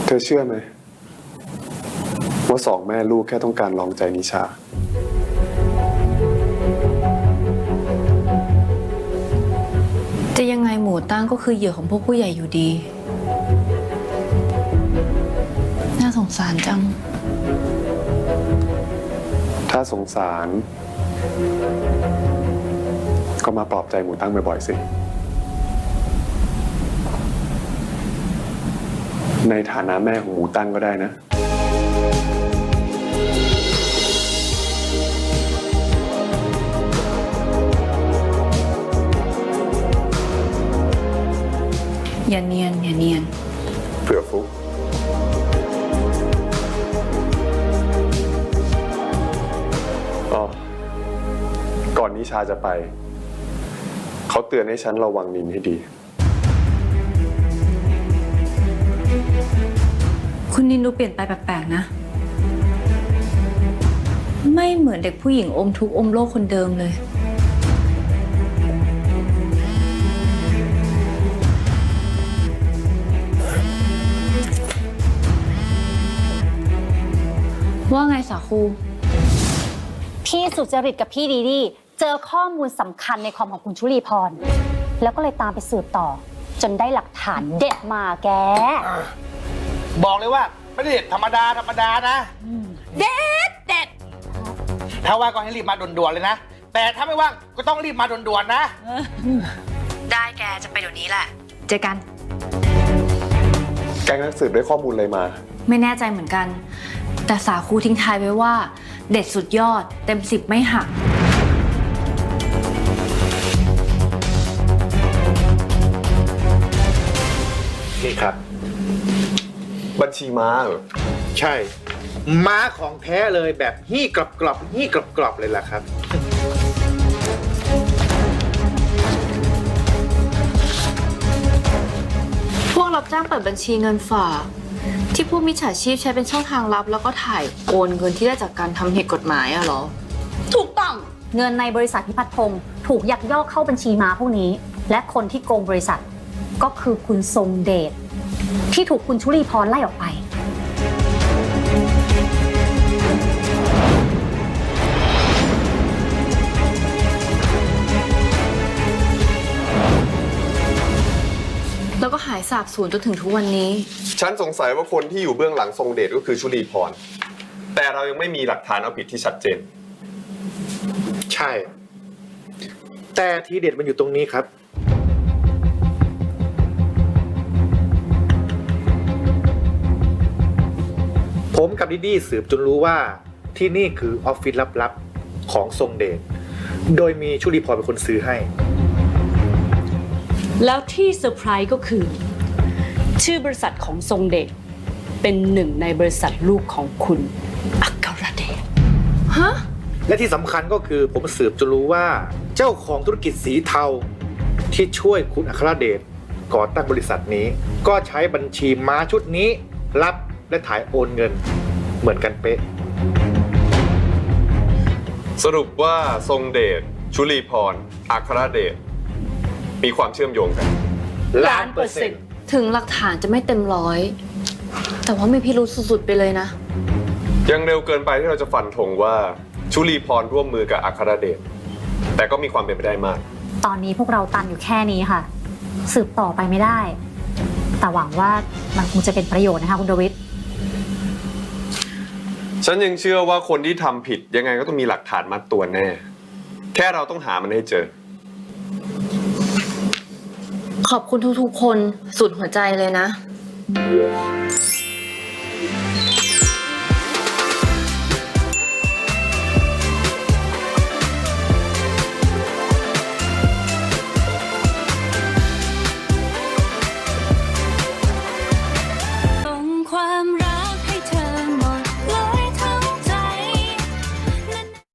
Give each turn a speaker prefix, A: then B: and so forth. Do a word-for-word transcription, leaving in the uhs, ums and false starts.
A: เธอเชื่อไหมว่าสองแม่ลูกแค่ต้องการลองใจนิชา
B: จะยังไงหมูตั้งก็คือเหยื่อของพวกผู้ใหญ่อยู่ดีน่าสงสารจัง
A: ถ้าสงสารก็มาปลอบใจหมูตั้งบ่อยๆสิในฐานะแม่ของหมูตั้งก็ได้นะ
B: อย่าเนียนอย่าเนียน
A: เผื่อฟุกอ๋อก่อนนิชาจะไปเขาเตือนให้ฉันระวังนินให้ดี
B: คุณนินดูเปลี่ยนไปแปลกๆนะไม่เหมือนเด็กผู้หญิงอมทุกข์อมโลกคนเดิมเลยว่าไงสาคู
C: พี่สุจริตกับพี่ดีดีเจอข้อมูลสำคัญในคอมของคุณชุลีพรแล้วก็เลยตามไปสืบต่อจนได้หลักฐานเด็ดมาแก
D: บอกเลยว่าไม่ได้เด็ดธรรมดาธรรมดานะเด็ดเด็ดถ้าว่างก็ให้รีบมาด่วนๆเลยนะแต่ถ้าไม่ว่างก็ต้องรีบมาด่วนๆนะ
B: ได้แกจะไปเดี๋ยวนี้แหละเจอกัน
A: แกงนักสืบได้ข้อมูลอะไรมา
B: ไม่แน่ใจเหมือนกันแต่สาคูทิ้งท้ายไว้ว่าเด็ดสุดยอดเต็มสิบไม่หัก
A: นี่ครับบัญชีม้าเหรอ
D: ใช่ม้าของแท้เลยแบบฮี่กรอบกรอบฮี่กรอบกรอบเลยล่ะครับ
B: พวกรับจ้างเปิดบัญชีเงินฝากที่ผู้มิจฉาชีพใช้เป็นช่องทางลับแล้วก็ถ่ายโอนเงินที่ได้จากการทำผิดกฎหมายอะเหรอ
C: ถูกต้องเงินในบริษัทพิพัฒน์พงศ์ถูกยักยอกเข้าบัญชีม้าพวกนี้และคนที่โกงบริษัทก็คือคุณทรงเดชที่ถูกคุณชุลีพรไล่ออกไป
B: แล้วก็หายสาบสูญจนถึงทุกวันนี้
A: ฉันสงสัยว่าคนที่อยู่เบื้องหลังทรงเดชก็คือชุลีพรแต่เรายังไม่มีหลักฐานเอาผิดที่ชัดเจน
D: ใช่แต่ทีเด็ดมันอยู่ตรงนี้ครับผมกับดิดี้สืบจนรู้ว่าที่นี่คือออฟฟิศลับๆของทรงเดชโดยมีชุลีพรเป็นคนซื้อให้
E: แล้วที่เซอร์ไพรส์ก็คือชื่อบริษัทของทรงเดชเป็นหนึ่งในบริษัทลูกของคุณอัครเดช
B: ฮะ
D: และที่สำคัญก็คือผมสืบจนรู้ว่าเจ้าของธุรกิจสีเทาที่ช่วยคุณอัครเดชก่อตั้งบริษัทนี้ก็ใช้บัญชีม้าชุดนี้รับและถ่ายโอนเงินเหมือนกันเป๊ะ
A: สรุปว่าทรงเดชชุลีพรอัครเดชมีความเชื่อมโยงกัน
E: ล้านเปอร์เซ็นต์
B: ถึงหลักฐานจะไม่เต็มร้อยแต่ว่ามีพิรุธสุดๆไปเลยนะ
A: ยังเร็วเกินไปที่เราจะฟันธงว่าชุลีพรร่วมมือกับอัครเดชแต่ก็มีความเป็นไปได้มาก
C: ตอนนี้พวกเราตันอยู่แค่นี้ค่ะสืบต่อไปไม่ได้แต่หวังว่ามันคงจะเป็นประโยชน์นะคะคุณดวิด
A: ฉันยังเชื่อว่าคนที่ทำผิดยังไงก็ต้องมีหลักฐานมัดตัวแน่แค่เราต้องหามันให้เจอ
B: ขอบคุณทุกๆคนสุดหัวใจเลยนะ